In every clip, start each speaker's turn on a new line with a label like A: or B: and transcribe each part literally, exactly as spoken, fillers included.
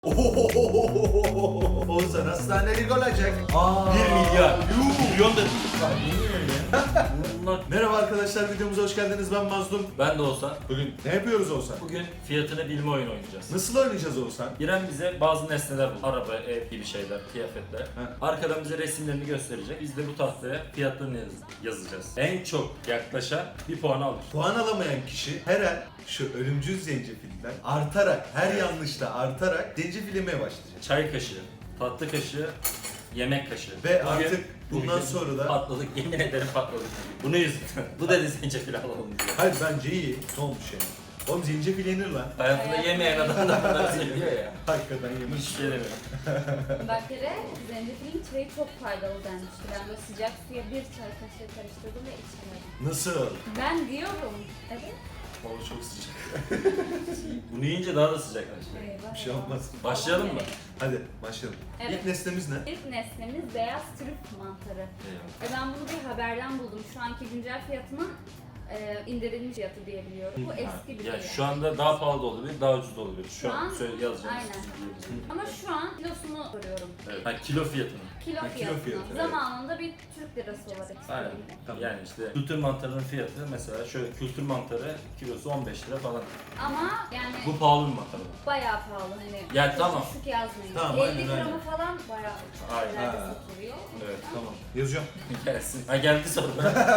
A: Oğuzhan hastanelik olacak.
B: Aa,
A: bir milyar.
B: Yuh.
A: Milyon da değil.
B: Bunlar...
A: Merhaba arkadaşlar, videomuza hoş geldiniz. Ben Mazlum.
B: Ben de Oğuzhan.
A: Bugün ne yapıyoruz Oğuzhan?
B: Bugün fiyatını bilme oyunu oynayacağız.
A: Nasıl oynayacağız Oğuzhan?
B: İrem bize bazı nesneler buldu. Araba, ev gibi şeyler, kıyafetler.
A: He.
B: Arkadan bize resimlerini gösterecek. Biz de bu tahtaya fiyatlarını yaz- yazacağız. En çok yaklaşan bir puan alır.
A: Puan alamayan kişi her an şu ölümcül zencefilden artarak, her yanlışta artarak zencefil yemeye başlayacak.
B: Çay kaşığı, tatlı kaşığı, yemek kaşığı.
A: Ve
B: Bugün-
A: artık bundan
B: bugün
A: sonra da...
B: patladık, yemin ederim patladık. Bunu yüzünden. Bu dedi zencefil alalım diye.
A: Hayır, bence iyi. Ne olmuş yani? Oğlum zencefil yenir lan.
B: Hayatında yemeyen adam da bunları söylüyor ya.
A: Hakikaten yemiş.
B: Hiçbir şey demiyor.
C: Bak kere zencefilin çayı çok faydalı denmişti. Ben böyle sıcak suya bir çay kaşığı karıştırdım ve içemedim.
A: Nasıl?
C: Ben diyorum. Evet.
B: Hava çok sıcak. Bunu yiyince daha da sıcaklaşıyor.
C: Eyvah,
A: Bir şey
C: eyvah.
A: olmaz.
B: Başlayalım mı?
A: Hadi başlayalım.
C: Evet.
A: İlk nesnemiz ne?
C: İlk nesnemiz beyaz trüf mantarı.
B: Eyvallah.
C: E ben bunu bir haberden buldum. Şu anki güncel fiyatının e, indirilmiş fiyatı diye biliyorum. Bu eski bir
B: Yani
C: şey.
B: şu anda daha pahalı da olabilir, daha ucuz da olabilir. Şu,
C: Şu
B: an
C: an-
B: söyle yazacağım.
C: Aynen. Ama şu an kilosunu soruyorum.
B: Evet. Ha, kilo fiyatını.
C: Kilo
A: Ha, kilo
C: fiyatını.
A: fiyatı, evet.
C: Zamanında bir Türk lirası olarak
B: Aynen.
C: söyleyeyim.
A: Tamam.
B: Yani işte kültür mantarının fiyatı mesela şöyle kültür mantarı kilosu on beş lira falan.
C: Ama yani
B: Bu pahalı bir mantar.
C: bayağı pahalı hani.
B: Yani
C: çok
B: tamam.
C: Düşük yazmayın.
A: Tamam,
C: elli
A: aynen,
C: gramı
A: aynen.
C: falan bayağı
B: Aynen.
C: şeylerde
A: Ha.
C: satılıyor. O
B: Evet,
C: yüzden-
A: Tamam. Yazıyorum.
B: Gelsin. Ha geldi soru.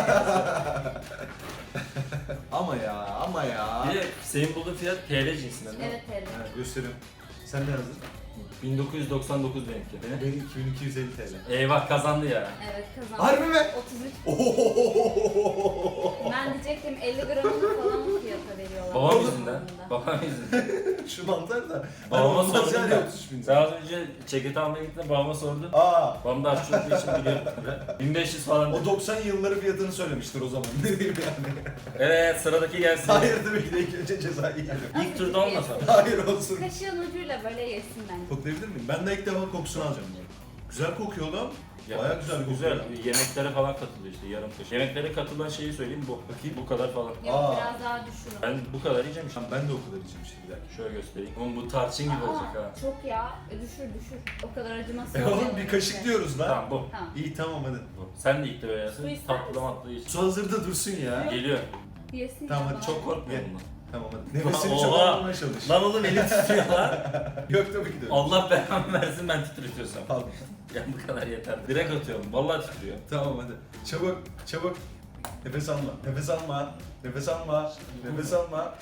A: Ama ya, ama ya.
B: Bir de senin bulduğun fiyat T L cinsinden değil mi?
C: Evet evet.
A: Ha, gösteriyorum. Sen ne yazdın?
B: bin dokuz yüz doksan dokuz benimki. Benim.
A: Benim iki bin iki yüz elli T L.
B: Eyvah kazandı ya.
C: Evet kazandım.
A: Harbi mi?
C: otuz üç.
A: Ohohohohoho.
C: Ben diyecektim elli gramını falan o fiyata veriyorlar.
B: Babam
C: Onun
B: yüzünden.
C: zamanında.
B: Babam yüzünden.
A: Şu mantar da.
B: Babama
A: Hani olmaz
B: sordum
A: yani
B: da.
A: otuz üç bin.
B: Sen az önce ceket almaya gittin babama sordun.
A: Aa.
B: Babam da aşçı olduğu için biliyor. bin beş yüz falan.
A: O doksan yılları fiyatını söylemiştir o zaman. Ne diyeyim yani?
B: Evet sıradaki gelsin.
A: Hayır tabii ki de ilk önce cezayı yiyelim.
B: İlk turda olmasa.
A: Hayır olsun.
C: Kaşığın ucuyla böyle yesin bence.
A: Koklayabilir miyim? Ben de ilk defa kokusunu alacağım bunu. Güzel kokuyor lan.
B: Ya,
A: Bayağı güzel kokuyor.
B: Güzel. Yemeklere falan katılıyor işte yarım kaşık. Yemeklere katılan şeyi söyleyeyim bu.
A: Bakayım.
B: Bu kadar falan.
C: Yok
A: Aa.
C: biraz daha düşürün.
B: Ben bu kadar yiyeceğim işte.
A: Tamam, ben de o kadar içeceğim işte bir dakika.
B: Şöyle göstereyim. Oğlum bu tarçın gibi
C: Aa,
B: olacak ha.
C: Çok ya. E, düşür düşür. O kadar acımasız.
A: E oğlum
C: olmuyor
A: bir kaşık
C: işte.
A: diyoruz lan.
B: Tamam bu.
C: Tamam.
A: İyi tamam hadi.
B: bu. Sen de ilk de
C: Su
B: yersin.
C: ister
B: Tatlı
C: misin?
B: matlı iç.
A: Su hazırda dursun ya.
B: Geliyor.
C: Yesin
A: Tamam,
C: ya
A: hadi
C: bana.
B: Çok korkmuyorum bundan.
A: Tamam hadi. Nefesini
B: Oha.
A: çok almamaya çalış.
B: Lan oğlum elim titriyor lan.
A: Yok tabii ki de. öyle.
B: Allah belamı versin ben titretiyorsam.
A: Al.
B: Ya bu kadar yeter. Direkt atıyorum. Vallahi titriyor.
A: Tamam hadi. Çabuk, çabuk. Nefes alma, nefes alma, nefes alma, nefes alma.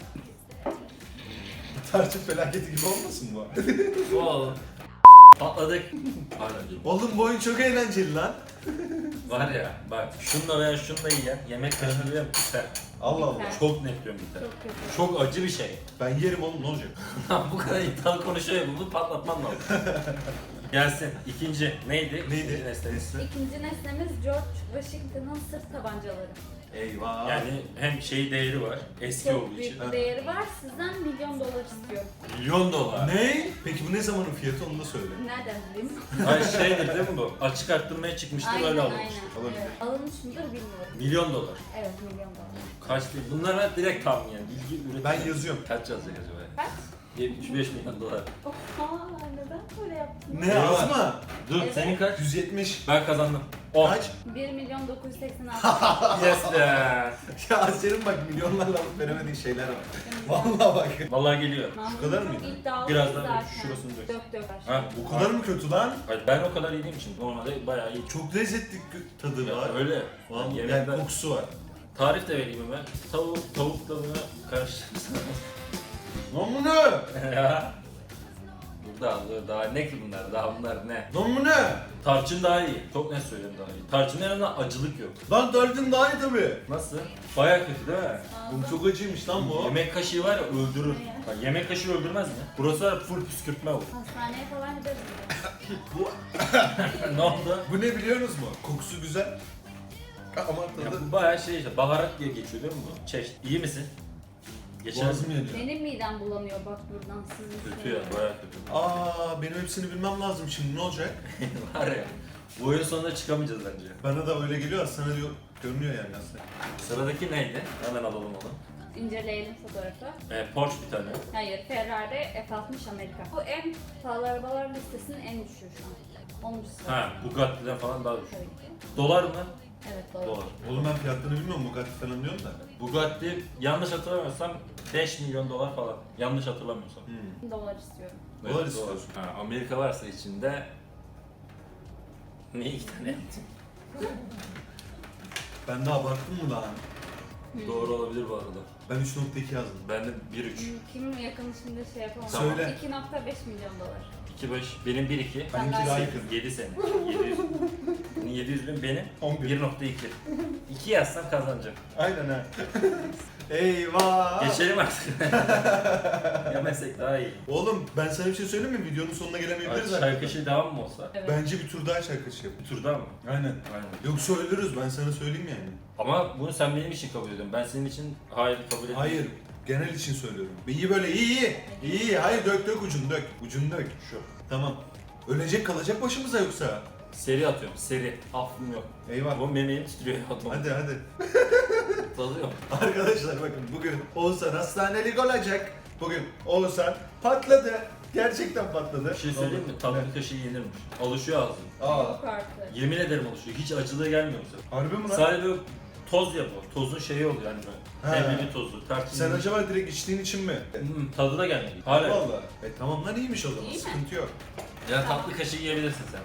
A: Tarçın felaketi gibi olmasın bu?
B: Oğlum. Patladık. Pardon değil.
A: Oğlum bu oyun çok eğlenceli lan.
B: Var ya bak şunla veya şunla yiyen yemek kaşığıyla biter.
A: Allah Allah.
C: Biter.
B: Çok net diyorum biter.
C: Çok kötü.
B: Çok acı bir şey.
A: Ben yerim oğlum, ne olacak?
B: Lan bu kadar iddialı konuşuyor ya bunu patlatman lazım. Gelsin. İkinci neydi?
A: Neydi?
B: İkinci nesnemiz.
C: İkinci nesnemiz George Washington'ın sırt tabancaları.
A: Eyvah.
B: Yani hem şey değeri var eski
C: Çok
B: olduğu
C: büyük
B: için.
C: bir değeri var. Sizden milyon dolar istiyorum.
B: Milyon dolar.
A: Ne? Peki bu ne zamanın fiyatı, onu da söyle.
C: Nereden bileyim?
B: Ay şeydir değil mi bu? Açık arttırmaya çıkmıştır
C: aynen
B: öyle
C: aynen.
B: alınmış.
A: Olabilir.
C: Evet. Alınmış mıdır bilmiyorum.
B: Milyon dolar.
C: Evet milyon dolar.
B: Kaç değil? Bunlara direkt tahmin yani. Bilgi üretim.
A: Ben yazıyorum.
B: Kaç yazacak acaba?
C: Kaç?
B: yetmiş beş milyon dolar.
C: Oha neden böyle yaptın?
A: Ne az mı?
B: Dur
C: Evet.
B: senin kaç?
A: yüz yetmiş.
B: Ben kazandım. on.
A: Kaç?
C: bir milyon dokuz yüz seksen altı.
B: Yes be.
A: Ya senin bak milyonlarla alıp veremediğin şeyler var. Vallahi bak.
B: Vallahi geliyor.
A: Şu kadar mıydı?
C: İddialı
B: Biraz daha
C: zaten.
B: şurasını dök.
C: Dök dök.
B: Ha,
A: Bu kadar mı kötü lan?
B: Hayır, ben o kadar yediğim için normalde bayağı iyi.
A: Çok lezzetli gö- tadı
B: Ya
A: var.
B: öyle.
A: Vallahi
B: Yani
A: yani
B: yemekler...
A: kokusu var.
B: Tarif de vereyim hemen. Tavuk, tavuk tadına karıştırırsan.
A: Lan bu ne?
B: Ya. Daha, daha ne ki bunlar? Daha bunlar ne?
A: Lan bu ne?
B: Tarçın daha iyi. Çok net söylüyorum daha iyi. Tarçının yanında acılık yok.
A: Lan tarçın daha iyi tabii.
B: Nasıl? Bayağı kötü değil mi?
A: Oğlum çok acıymış lan bu.
B: Yemek kaşığı var ya öldürür.
C: Ne ya?
B: Bak yemek kaşığı öldürmez mi? Burası var ya full püskürtme bu.
C: Hastaneye falan gideriz.
B: Ne oldu?
A: Bu ne biliyorsunuz mu? Kokusu güzel. Ama
B: Ya
A: tadı...
B: bu bayağı şey işte baharat diye geçiyor değil mi bu? Çeşit. İyi misin? Geçer
A: Boğazım yanıyor.
C: Benim midem bulanıyor bak buradan sizin
B: Kötü ya bayağı kötü.
A: Aa, benim hepsini bilmem lazım şimdi, ne olacak?
B: Var ya. Bu oyun sonunda çıkamayacağız bence.
A: Bana da öyle geliyor, sana diyor, görünüyor yani aslında.
B: Sıradaki neydi? Hemen alalım onu.
C: İnceleyelim fotoğrafı.
B: E, Porsche bir tane.
C: Hayır, Ferrari F altmış Amerika. Bu en pahalı arabalar listesinin en düşüğü şu an. onuncu sırada.
B: Ha, Bugatti'den falan daha düşük.
C: Tabii ki.
B: Dolar mı?
C: Evet, doğru.
B: Dolar.
A: Oğlum ben fiyatlarını bilmiyorum, Bugatti falan diyorum da.
B: Bugatti yanlış hatırlamıyorsam beş milyon dolar falan. Yanlış hatırlamıyorsam.
A: Hmm.
C: Dolar istiyorum.
A: Dolar istiyorsun.
B: Ha, Amerika varsa içinde niye iki tane yaptın?
A: Ben de abarttım mı lan?
B: Doğru olabilir bu arada.
A: Ben üç nokta iki yazdım.
B: Ben de bir üç.
C: Hmm, Kim yakın şimdi şey yapamam.
A: Söyle.
C: iki nokta beş milyon dolar.
B: iki beş. Benim bir iki.
A: Benimki
C: Ben
A: daha
C: de-
A: yakın.
B: yedi sene. yedi yüz. Bunun yedi yüz bin benim.
A: on bir.
B: bir nokta iki. iki yazsam kazanacağım.
A: Aynen ha. Eyvah!
B: Geçelim artık. Yemesek daha iyi.
A: Oğlum ben sana bir şey söyleyeyim mi? Videonun sonuna gelemeyebiliriz
B: Şarkı
A: arkadaşlar.
B: şey devam mı olsa?
C: Evet.
A: Bence bir tur daha şarkı şey yap.
B: Bir tur daha mı?
A: Aynen.
B: Aynen.
A: Yoksa ölürüz, ben sana söyleyeyim yani.
B: Ama bunu sen benim için kabul ediyorsun. Ben senin için hayır kabul etmiyorum.
A: Hayır, genel için söylüyorum. İyi böyle, iyi iyi. İyi iyi, hayır dök dök ucunu dök. Ucunu dök. Şu. Tamam. Ölecek kalacak başımıza yoksa.
B: Seri atıyorum. Seri. Affım yok.
A: Eyvah.
B: Bu memeğim titriyor.
A: Hadi hadi.
B: Dalıyorum.
A: Arkadaşlar bakın bugün Oğuzhan hastanelik olacak. Bugün Oğuzhan patladı. Gerçekten patladı.
B: Bir şey söyleyeyim mi? Tatlı kaşığı yenirmiş. Alışıyor ağzım.
A: Aa,
C: Yok artık.
B: Yemin ederim alışıyor. Hiç acılığı gelmiyor bize.
A: harbi mi lan?
B: Sadece böyle toz ya bu. Tozun şeyi oluyor yani böyle.
A: He.
B: Leblebi tozu. Tarçın.
A: Sen acaba direkt içtiğin için mi?
B: Hmm, tadı da gelmedi. Hala.
A: Vallahi. E tamam lan iyiymiş o zaman.
C: İyi mi?
A: Sıkıntı yok.
B: Ya tatlı kaşığı yiyebilirsin sen.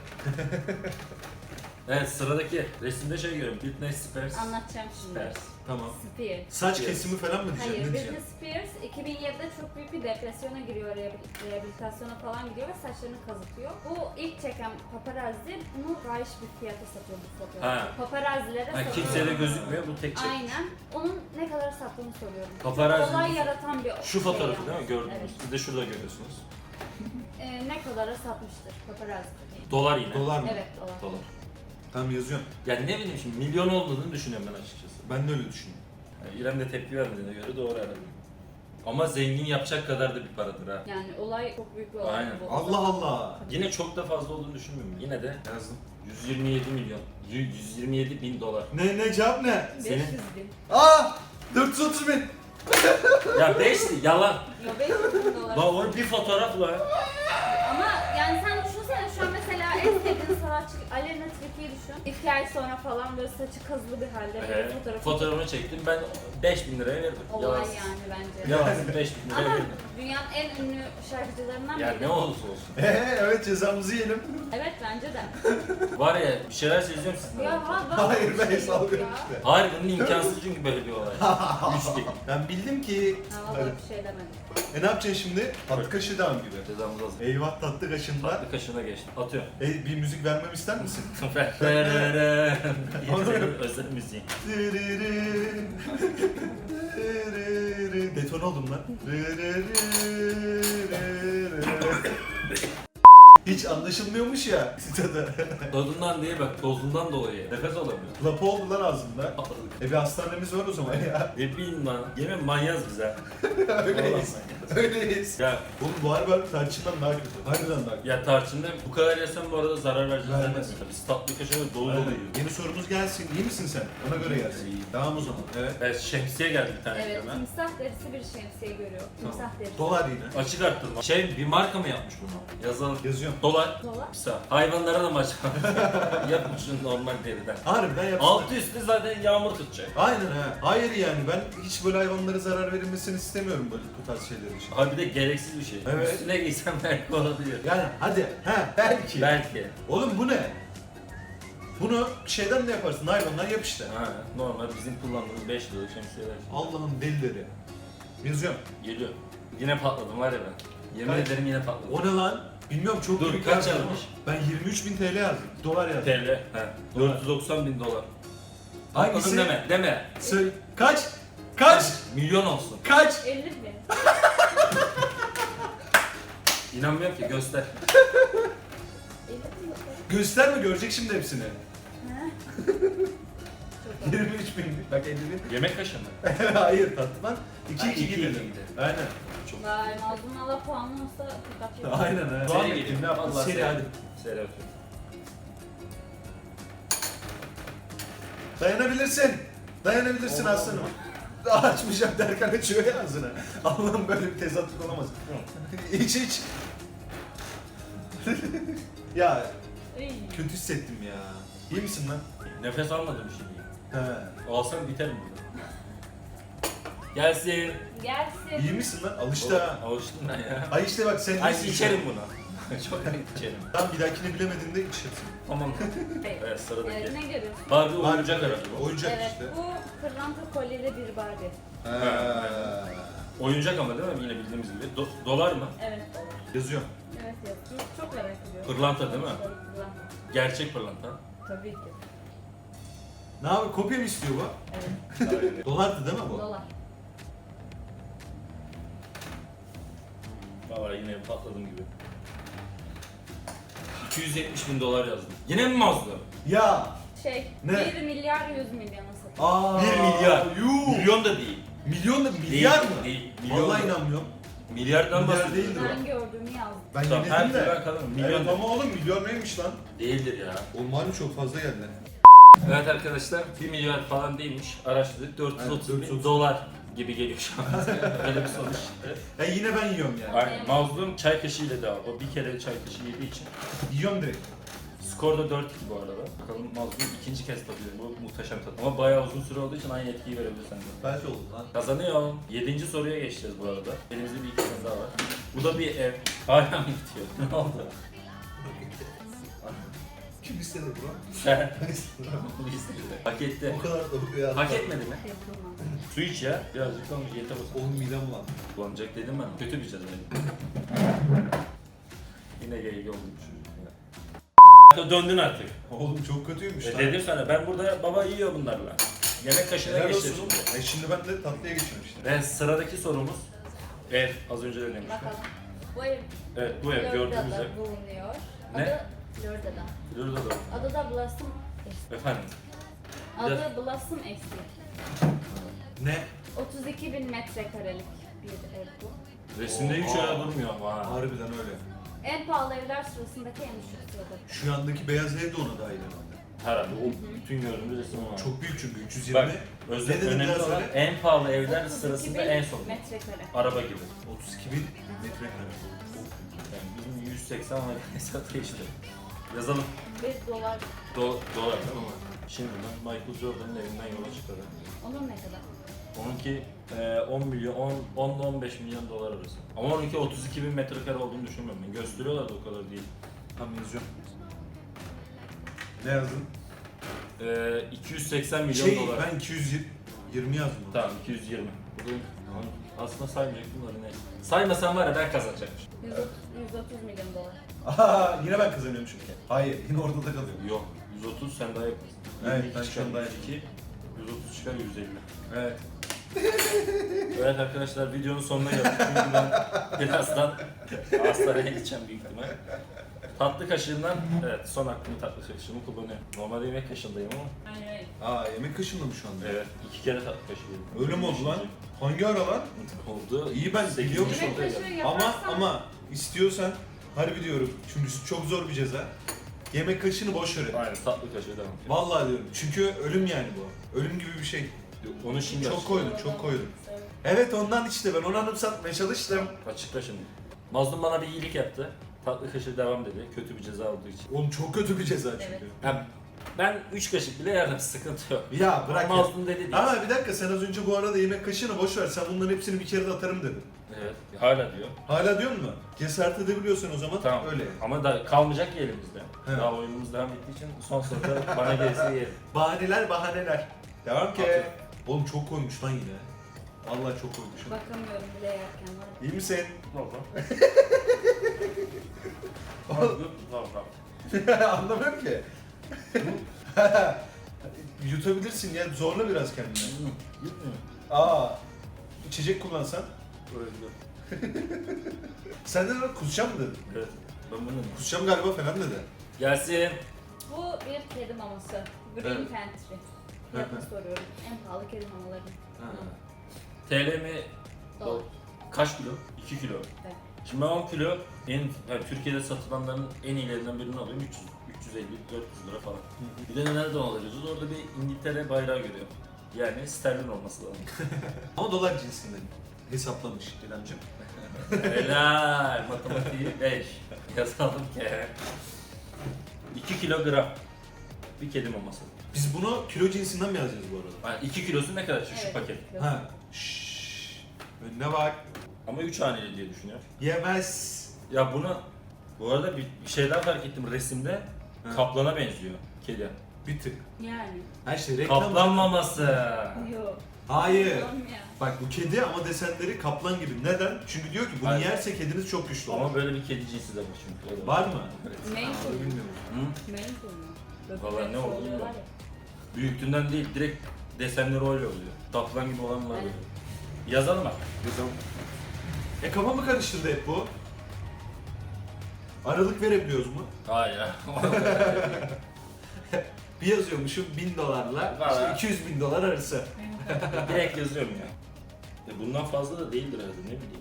B: Evet sıradaki resimde şey görüyorum. Britney Spears.
C: Anlatacağım şimdi.
B: Spears.
A: Tamam.
C: Spears.
A: Saç
B: Spears.
A: kesimi falan mı diyeceksin?
C: Hayır,
A: Ne
C: Britney
A: diyeceksin?
C: Spears iki bin yedide çok büyük bir depresyona giriyor, rehabil- rehabilitasyona falan gidiyor ve saçlarını kazıtıyor. Bu ilk çeken paparazzi bunu fahiş bir fiyata satıyor bu fotoğrafı.
B: Ha.
C: Paparazzilere
B: Ha,
C: satıyor.
B: kimseye de gözükmüyor bu tek çek.
C: Aynen. Onun ne kadar sattığını soruyorum.
B: Paparazzi-
C: Olay yaratan bir
B: Şu
C: şey
B: fotoğrafı değil mi?
C: yalnız.
B: Gördünüz.
C: Evet.
B: Siz de şurada görüyorsunuz.
C: Ee, ne kadara satmıştır paparazzi?
B: Dolar yine.
A: Dolar mı?
C: Evet, dolar.
B: Dolar.
A: Tamam yazıyorum.
B: Yani ne bileyim şimdi milyon olmadığını düşünüyorum ben açıkçası.
A: Ben de öyle düşünüyorum.
B: Yani İrem de tepki vermediğine göre doğru herhalde. Ama zengin yapacak kadar da bir paradır ha.
C: Yani olay çok büyük bir olay.
B: Aynen.
C: bu.
A: Allah Allah.
B: Yine çok da fazla olduğunu düşünmüyorum. Yine de
A: Yazdım.
B: yüz yirmi yedi milyon. yü- yüz yirmi yedi bin dolar.
A: Ne ne cevap ne?
C: beş
B: Senin-
C: yüz bin.
A: Aa! dört yüz otuz bin.
B: Ya beş yalan.
C: Yo, beş yüz bin dolar.
B: Lan o bir fotoğrafla.
C: Ama yani sen düşünsene şu an mesela en sevdiğin sanatçı Aleyna Tilki'yi düşün. İki ay sonra falan böyle saçı kazılı bir halde bir
B: Ee,
C: fotoğrafı.
B: fotoğrafını çektim ben beş bin liraya verdim.
C: Olay
B: Yalansız.
C: yani bence.
B: Yalansız beş bin liraya
C: Ama
B: verdim.
C: dünyanın en ünlü şarkıcılarından
B: Ya
C: biri.
B: ne olursa olsun.
A: Ee, evet cezamızı yiyelim.
C: Evet bence de.
B: Var ya bir şeyler seziyorum sizden.
C: Ya ha,
A: Hayır,
C: bir
A: ben
C: şey yok
A: salgıyorum
C: ya.
A: işte.
B: Hayır bunun imkansız çünkü böyle bir olay. Üç bin.
A: Ben bildim ki...
C: Ha vallahi bir şey demedim.
A: E ne yapacaksın şimdi? Tatlı kaşığı devam gibi.
B: Cezamız hazır.
A: Eyvah tatlı kaşığında.
B: Tatlı kaşığına geçtim. Atıyorum.
A: E, bir müzik vermemi ister misin?
B: Özel müziği.
A: Deton oldum lan. Hiç anlaşılmıyormuş ya tadı.
B: Tadından değil bak tozundan dolayı. Nefes alamıyor.
A: Lapa oldu lan ağzımda. E bir hastanemiz var o zaman ya.
B: Ne bileyim lan. Yemin manyaz bize.
A: Öyleyiz. Öyleyiz.
B: Ya
A: Oğlum bu harbi tarçından daha kötü. Harbiden daha kötü.
B: ya tarçında bu kadar yesem bu arada zarar vereceğiz
A: Vermez.
B: zannetmiyorum. Biz tatlı kaşığı dolu dolu
A: Aynen.
B: yiyoruz.
A: Yeni sorumuz gelsin. İyi misin sen? Ona göre gelsin.
B: İyiyim.
A: Tamam o zaman. Evet.
B: Evet şemsiye geldi bir tane
C: Evet,
B: ekrana.
C: timsah derisi bir şemsiye görüyor. Timsah derisi.
A: Dolar yine.
B: Açık arttırma. Şey bir marka mı yapmış bunu? Yazalım.
A: Yazıyorum.
B: Dolar.
C: Dolar.
B: Kısa. Hayvanlara da mı açık? Yapmış şunu normal deriden.
A: Harbiden yapsın.
B: Altı üstü zaten yağmur tutacak.
A: Aynen ha. Hayır yani ben hiç böyle hayvanlara zarar verilmesini istemiyorum böyle bu tarz şeyler için.
B: Abi bir de gereksiz bir şey.
A: Evet.
B: Üstüne giysem belki olabilir.
A: Yani hadi ha belki.
B: Belki.
A: Oğlum bu ne? Bunu şeyden ne yaparsın? Naylondan yap işte.
B: Ha, normal bizim kullandığımız beş liralık şemsiyeler.
A: Allah'ın delileri. Yazıyorum.
B: Geliyor. Yine patladım var ya ben. Yemin
A: Kaç?
B: ederim yine patladım.
A: O ne lan? Bilmiyorum çok
B: Dur,
A: büyük
B: kaç
A: yazdım
B: yazmış?
A: ama Ben yirmi üç bin T L yazdım. Dolar yazdım.
B: T L. He. dört yüz doksan bin dolar.
A: Hangisi?
B: Patladım deme. Deme.
A: Söyle. Kaç? Kaç?
B: Milyon olsun.
A: Kaç?
C: elli bin.
B: İnanmıyorum ki göster.
C: elli bin dolar.
A: Gösterme görecek şimdi hepsini.
C: Ha? Çok
A: yirmi üç bin. Bak elli bin.
B: Yemek kaşığı mı?
A: Hayır tatlıdan iki
B: Ha,
A: iki
B: iki
A: gidelim.
B: iki gidelim.
A: Aynen.
B: Çok.
C: Vay, Nazlı'nın ala puanlı olsa dikkat yok.
A: Aynen ha.
B: Seri
A: Devam
B: geliyor.
A: edelim ne yapalım?
B: Vallahi
A: Seri
B: seri.
A: hadi.
B: Seri atıyorum.
A: Dayanabilirsin. Dayanabilirsin
B: Allah
A: aslanım. Daha açmayacağım derken açıyor ya ağzını. Allah'ım böyle bir tezatlık olamaz. iç iç. Ya
C: Iy.
A: kötü hissettim ya. İyi misin lan?
B: Nefes almadım şimdi.
A: He.
B: Alsam biterim burada. Gelsin.
C: Gelsin.
A: İyi misin lan? Alıştı ha.
B: Alıştım ben ya.
A: Ay işte bak sen
B: Ay
A: iyisin.
B: içerim bunu. Çok net içerim.
A: Tamam bir dahakini bilemediğinde içersin.
B: Tamam.
C: Hayır.
B: Evet sıradaki.
C: Evet, ne görüyorsun?
B: Barbie oyuncak araba.
A: Oyuncak
C: Evet,
A: işte.
C: bu pırlanta kolyeli bir Barbie.
A: Ha.
B: Oyuncak ama değil mi? Yine bildiğimiz gibi. Do- dolar mı?
C: Evet, dolar.
A: Yazıyorum.
C: Evet, evet. Çok, çok merak ediyorum.
B: Pırlanta değil mi?
C: Evet, pırlanta.
B: Gerçek pırlanta.
C: Tabii ki.
A: Ne abi kopya mı istiyor bu?
C: Evet,
A: Dolardı değil mi bu?
C: dolar.
B: Valla yine patladım gibi. iki yüz yetmiş bin dolar yazdım. Yine mi mazlum?
A: Ya.
C: Şey,
A: Ne?
C: bir milyar yüz milyona satıyor.
A: Aa.
B: bir milyar.
A: Yuh.
B: Milyon da değil.
A: Milyon da milyar
B: Değil,
A: mı?
B: değil. Milyon
A: Vallahi
B: da.
A: inanmıyorum.
B: Milyardan
A: Milyar
B: bahsediyorum.
A: değildir o.
C: Ben gördüğümü yazdım.
A: Ben
B: Tamam, her
A: yemedim
B: türlü
A: de.
B: bakalım. Milyon
A: Evet
B: da.
A: ama oğlum milyon neymiş lan?
B: Değildir ya.
A: Oğlum malum çok fazla geldi.
B: Evet arkadaşlar bir milyar falan değilmiş. Araştırdık. dört yüz otuz
A: Evet,
B: bin
A: dört yüz otuz.
B: dolar gibi geliyor şu an. Öyle bir sonuç çıktı.
A: Ya yine ben yiyorum yani.
B: Aynen. Mazlum çay kaşığıyla da o bir kere çay kaşığı yediği için.
A: Yiyorum direkt.
B: Skor da dört iki bu arada. Bakalım Mazlum ikinci kez tadıyor. Bu muhteşem tat. Ama bayağı uzun süre olduğu için aynı etkiyi verebilir sende.
A: Belki oldu lan.
B: Kazanıyor. Yedinci soruya geçeceğiz bu arada. Elimizde bir iki tane daha var. Bu da bir ev. Hala mı bitiyor? Ne oldu?
A: Kim istedi bro?
B: Sen.
A: Ben istedim.
B: Bunu istedi. Hak etti.
A: O kadar da ya.
B: Hak etmedi mi?
C: Yapılmaz.
B: Su iç ya. Birazcık kalmış yeter olsun.
A: Oğlum midem lan.
B: Kullanacak dedim ben. Kötü bir ceza. Yine geyik oldu bu çocuk ya. Döndün artık.
A: Oğlum çok kötüymüş
B: E
A: lan.
B: dedim sana ben burada baba yiyor bunlarla. Yemek kaşığına
A: Helal
B: geçeceğiz
A: olsun.
B: şimdi.
A: E şimdi ben de tatlıya geçiyorum işte.
B: Ve sıradaki sorumuz ev. Az önce de demiştim.
C: Bakalım. Bu ev
B: Evet bu ev gördüğünüz ev.
C: Florida'da bulunuyor.
B: Ne?
C: Adı Florida'da.
B: Florida'da.
C: Adı da Blossom Estate.
B: Efendim.
C: Adı Blossom Estate.
A: Ne?
C: otuz iki bin metrekarelik bir ev bu.
B: Resimde hiç
A: Oha.
B: öyle durmuyor ama ha.
A: Harbiden öyle.
C: En pahalı evler sırasındaki en düşük sırada.
A: Şu yandaki beyaz ev de ona dahil herhalde.
B: Herhalde o bütün gördüğümüz resim o.
A: Çok büyük çünkü üç yüz
B: Bak
A: yirmi.
B: özel
A: Ne dedin
B: önemli
A: biraz
B: olan
A: öyle?
B: en pahalı evler
C: otuz iki
B: sırasında
C: bin
B: en son.
C: metrekare.
B: Araba gibi.
A: otuz iki bin metrekare.
B: Yani bizim yüz seksen var hesap geçti. Yazalım.
C: bir dolar.
B: Do dolar değil mi? Şimdi ben Michael Jordan'ın evinden yola çıkarım.
C: Onun ne kadar?
B: Onunki e, on milyon, on ile on beş milyon dolar arası. Ama onunki otuz iki bin metrekare olduğunu düşünmüyorum ben. Gösteriyorlar da o kadar değil.
A: Tam yazıyorum. Ne yazdın?
B: E, iki yüz seksen milyon
A: Şey
B: dolar.
A: ben iki yüz yirmi yazdım.
B: Tamam iki yüz yirmi. Bu da aslında saymayacaktım da neyse. Saymasam var ya ben kazanacakmışım.
C: yüz otuz, yüz otuz milyon dolar.
A: Aha yine ben kazanıyorum çünkü. Hayır yine ortada kalıyorum.
B: Yok. yüz otuz sen daha yaparsın.
A: Evet,
B: yirmi iki
A: ben
B: çıkar,
A: şu an daha
B: yüz iki, yüz otuz çıkar yüz elli.
A: Evet.
B: Evet arkadaşlar videonun sonuna geldik çünkü ben birazdan hastaneye gideceğim büyük ihtimal. Tatlı kaşığından, evet son hakkımı tatlı kaşığımı kullanıyorum. Normalde yemek kaşığındayım ama
C: Aynen öyle.
A: Aa yemek kaşındı mı şu anda?
B: evet iki kere tatlı kaşığı yedim.
A: Öyle mi oldu lan? Hangi ara lan?
B: Oldu.
A: İyi ben
B: Sekizinci
A: biliyormuş
C: Yemek
B: soruya
C: kaşığı
B: geldim.
C: yaparsan
A: Ama ama istiyorsan harbi diyorum çünkü çok zor bir ceza. Yemek kaşığını boş ver.
B: Aynen tatlı kaşığı devam.
A: Vallahi diyorum çünkü ölüm yani bu. Ölüm gibi bir şey.
B: Onu şimdi
A: Çok
B: açıkla.
A: koydum, çok koydum. Evet ondan işte ben onu anımsatmaya çalıştım.
B: Açıkla şimdi. Mazlum bana bir iyilik yaptı. Tatlı kaşığı devam dedi. Kötü bir ceza olduğu için.
A: Oğlum çok kötü bir ceza çünkü.
C: Evet.
B: Ya, ben üç kaşık bile yerdim sıkıntı yok.
A: Ya bırak ya.
B: Mazlum dedi değil.
A: Ama bir dakika sen az önce bu arada yemek kaşığını boş ver. Sen bunların hepsini bir kere de atarım dedin.
B: Evet. Hala diyor.
A: Hala diyor mu? Cesaret edebiliyorsan o zaman
B: Tamam.
A: öyle.
B: Ama da kalmayacak ki elimizde.
A: Evet.
B: Daha oyunumuz devam ettiği için son soruda bana gelirse yerim.
A: Bahaneler bahaneler. Devam ki.
B: Aferin.
A: Oğlum çok koymuş lan yine. Vallahi çok koymuşum.
C: Bakamıyorum bile yerken var.
A: İyi misin?
B: Valla.
A: Anlamıyorum ki. Yutabilirsin ya zorla biraz kendini. Aa, içecek kullansan. Sen de lan kusacağım mı dedin?
B: Evet. Ben bunu
A: Kusacağım galiba falan dedi.
B: Gelsin.
C: Bu bir kedi maması. Green
A: Evet.
C: Pantry. Fiyatını soruyorum. En pahalı kedi mamaları.
B: T L mi?
C: Dolar.
B: Kaç kilo? iki kilo.
C: Evet.
B: Şimdi ben on kilo en yani Türkiye'de satılanların en iyilerinden birini alıyorum. üç yüz, üç yüz elli, dört yüz lira falan. Bir de nereden alıyoruz? Orada bir İngiltere bayrağı görüyorum. Yani sterlin olması lazım.
A: Ama dolar cinsinden hesaplamış İremciğim.
B: Helal. Matematiği beş. Yazalım ki. iki kilogram. Bir kedi maması.
A: Biz bunu kilo cinsinden mi yazacağız bu arada?
B: Yani iki kilosu ne kadar şu, şu
C: Evet.
B: paket?
A: Ha. Şşş. Önüne bak.
B: Ama üç haneli diye düşünüyorum.
A: Yemez.
B: Ya bunu bu arada bir, bir şey daha fark ettim resimde.
A: Ha.
B: Kaplana benziyor kedi.
A: Bir tık.
C: Yani.
A: Her şey reklam.
B: Kaplan maması.
C: Yok.
A: Hayır.
C: Tamam ya.
A: Bak bu kedi ama desenleri kaplan gibi. Neden? Çünkü diyor ki bunu
B: Hayır.
A: yerse kediniz çok güçlü olur.
B: Ama böyle bir kedi cinsi de var çünkü. O da
A: Var mı?
B: Evet.
C: Maine
A: Onu
C: Coon.
A: bilmiyorum.
B: Hı?
C: Maine Coon mu? Böyle
B: Vallahi ne
C: bir
B: olduğunu
C: oluyorlar
B: bilmiyorum.
C: ya.
B: Büyüklüğünden değil, direkt desenleri öyle oluyor. Kaplan gibi olan var
C: Evet.
B: böyle. Yazalım bak.
A: Yazalım. E kafamı karıştırdı hep bu. Aralık verebiliyoruz mu?
B: Hayır.
A: Bir yazıyormuşum bin dolarla
B: Var
A: işte
B: ha.
A: iki yüz bin dolar arası.
B: Direkt yazıyorum ya. E bundan fazla da değildir herhalde, ne bileyim.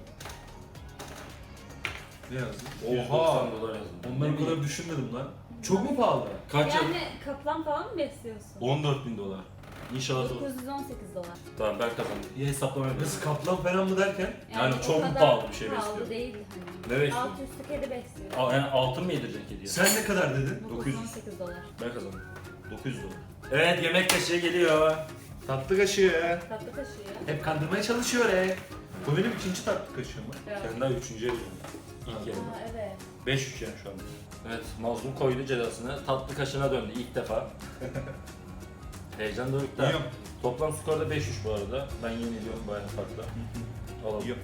A: Ne yazdın?
B: yüz doksan dolar yazdım.
A: Onları
B: Ne
A: bu kadar
B: bileyim.
A: düşünmedim lan. Çok mu pahalı?
B: Kaç yıl?
C: Yani kaplan falan mı besliyorsun?
B: on dört bin dolar. İnşallah doğru.
C: dokuz yüz on sekiz dolar.
B: Tamam ben kazandım. İyi hesaplama yapıyorum.
A: Nasıl kaplan falan mı derken?
B: Yani
C: o
B: çok mu
C: kadar
B: pahalı bir şey
C: pahalı
B: besliyor?
C: değil hani.
B: Ne besliyor?
C: Alt üstü kedi besliyor.
B: Aa, yani altın mı yedirecek kediye?
A: Sen ne kadar dedin?
C: dokuz yüz on sekiz dolar.
B: Ben kazandım. dokuz yüz dolar. Evet, yemek kaşığı geliyor.
A: Tatlı kaşığı.
C: Tatlı kaşığı.
A: Hep kandırmaya çalışıyor e. Bu benim ikinci tatlı kaşığım mı?
C: Evet.
B: Sen daha üçüncüye gidiyorsun. İlk
A: Ha.
B: yerim.
C: Aa, evet.
B: beş üç yani şu anda. Evet, mazlum koydu cezasını. Tatlı kaşığına döndü ilk defa. Heyecan dorukta.
A: Yiyorum.
B: Toplam skorda beş üç bu arada. Ben yeniliyorum bayağı farklı. Alalım.
A: Yiyorum.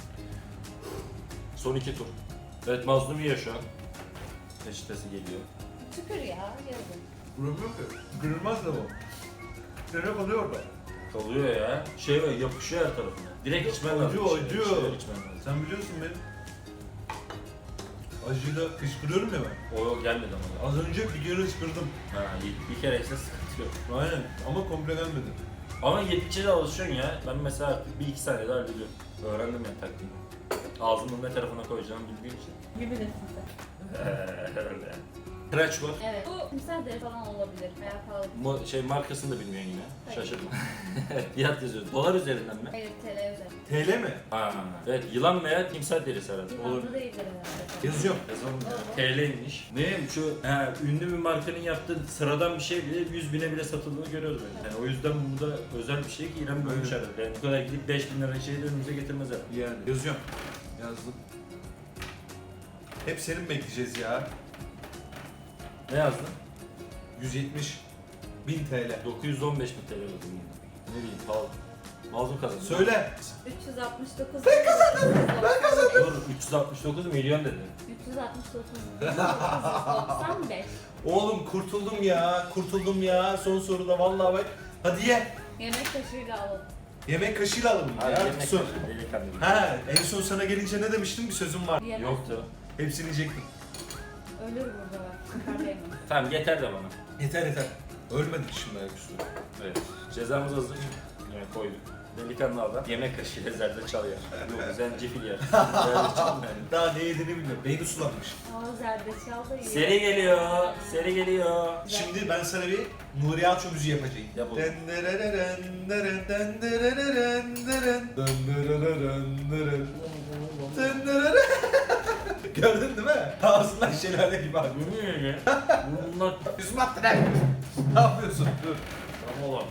B: Son iki tur. Evet, mazlum yiyor şu an. Peçetesi geliyor.
C: Tükür ya yazın.
A: Vuramıyor ki. Kırılmaz da bu. Nereye kalıyor orada?
B: Kalıyor ya. Şey var, yapışıyor her tarafına. Direkt içmen lazım.
A: Acıyor,
B: Bir şeyler-
A: acıyor.
B: bir şeyler içmen lazım.
A: Sen biliyorsun benim. Acıyla kışkırıyorum ya ben.
B: O yok, gelmedi ama.
A: Az önce bir kere kışkırdım.
B: Ha, bir, bir kere ise sıkıntı yok.
A: Aynen ama komple gelmedi.
B: Ama yedikçe de alışıyorsun ya. Ben mesela artık bir iki saniyede hallediyorum. Öğrendim yani taktiğini. Ağzımın ne tarafına koyacağımı bildiğim için.
C: Gibi desin sen.
B: Öyle. Kıraç var.
C: Evet. Bu timsah deri falan olabilir veya pahalı.
B: Mo- şey markasını da bilmiyorsun yine.
C: Hayır.
B: Şaşırdım. Fiyat yazıyor. Dolar üzerinden mi?
C: Hayır T L üzerinde.
A: T L mi?
B: Ha. Evet, yılan veya timsah derisi herhalde. Olur.
C: Yılanlı değildir herhalde.
A: Yazıyorum.
B: Yazalım ya. T L'ymiş. Ne şu he, ünlü bir markanın yaptığı sıradan bir şey bile yüz bine bile satıldığını görüyoruz ben. Yani o yüzden bu da özel bir şey ki İrem görmüş
A: Evet.
B: herhalde. Yani bu kadar gidip beş bin lira şeyi de önümüze getirmez herhalde.
A: Yani. Yazıyorum. Yazdım. Hep senin bekleyeceğiz ya.
B: Ne yazdın?
A: yüz yetmiş bin T L.
B: dokuz yüz on beş bin T L oldu. Ne bileyim pahalı. Mazlum kazandı.
A: Söyle.
C: üç yüz altmış dokuz. Ben kazandım. Ben kazandım.
B: Dur, üç yüz altmış dokuz milyon dedi.
C: üç yüz altmış dokuz. doksan beş.
A: Oğlum kurtuldum ya. Kurtuldum ya. Son soruda vallahi bak. Hadi ye.
C: Yemek kaşığıyla alalım.
A: Yemek kaşığıyla alalım
B: Hadi
A: ya.
B: yemek
A: Son.
B: kaşığı, delikanlı.
A: Ha, en son sana gelince ne demiştim? Bir sözüm var.
C: Yemez.
B: Yoktu.
A: Hepsini yiyecektim.
C: Ölür burada bak. Çıkarmayalım.
B: Tamam, yeter de bana.
A: Yeter yeter. Ölmedik şimdi ayaküstü.
B: Evet. Cezamız hazır. Evet, koyduk. Delikanlı adam yemek kaşığıyla zerdeçal yer. Yok, zencefil yer. Zerdeçal yani.
A: Daha ne yediğini bilmiyorum. Beyni sulanmış.
C: Aa zerdeçal da yiyor.
B: Seri geliyor, seri geliyor.
A: Şimdi ben sana bir Nuri Alço müziği yapacağım.
B: Yap oğlum.
A: Dendereren, deren, dendereren, deren. Dendereren, deren. Dendereren. Gördün değil mi? Ağzından şelale gibi abi.
B: Bu ne ya? Bunlar
A: Yüzüm attı lan. Ne yapıyorsun? Dur.
B: tam olan.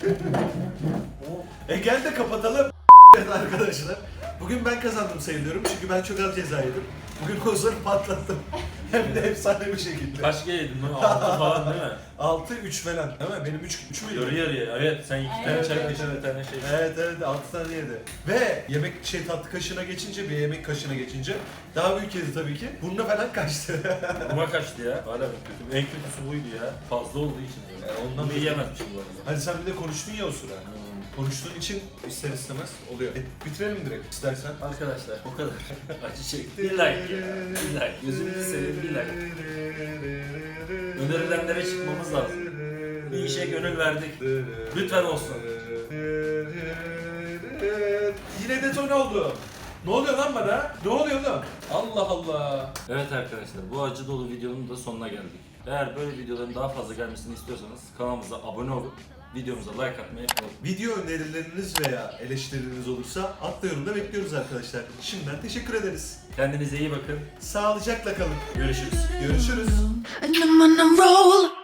A: E gel de kapatalım. Evet arkadaşlar. Bugün ben kazandım sayılıyorum çünkü ben çok az ceza yedim. Bugün Ozan'ı patlattım. Hem de efsane bir şekilde.
B: Kaç kere yedin lan? Altı falan değil mi?
A: altı üç falan değil mi? Benim üç üç müydü?
B: Yarı yarıya. Evet, sen iki tane
C: Evet,
B: çay
C: evet,
B: kaşığı, bir tane şey.
A: Evet evet altı tane yedi. Ve yemek şey tatlı kaşığına geçince bir yemek kaşığına geçince daha büyük yedi tabii ki. Burnuna falan kaçtı.
B: Buna kaçtı ya. Hala ben kötü. En kötüsü buydu ya. Fazla olduğu için.
A: E, ondan
B: Bunu yiyemezmişim bu arada.
A: Hadi sen bir de konuştun ya o sıra. Konuştuğun için ister istemez oluyor. E, bitirelim direkt istersen.
B: Arkadaşlar o kadar acı çekti. Bir like ya. Bir like. Gözünüzü seveyim, bir like. Önerilenlere çıkmamız lazım. Bir işe gönül verdik. Lütfen olsun.
A: Yine detone oldu. Ne oluyor lan bana? Ne oluyor lan? Allah Allah.
B: Evet arkadaşlar, bu acı dolu videonun da sonuna geldik. Eğer böyle videoların daha fazla gelmesini istiyorsanız kanalımıza abone olup videomuza like atmayı unutmayın.
A: Video önerileriniz veya eleştirileriniz olursa altta yorumda bekliyoruz arkadaşlar. Şimdiden teşekkür ederiz.
B: Kendinize iyi bakın.
A: Sağlıcakla kalın.
B: Görüşürüz.
A: Görüşürüz.
D: And I'm on a roll.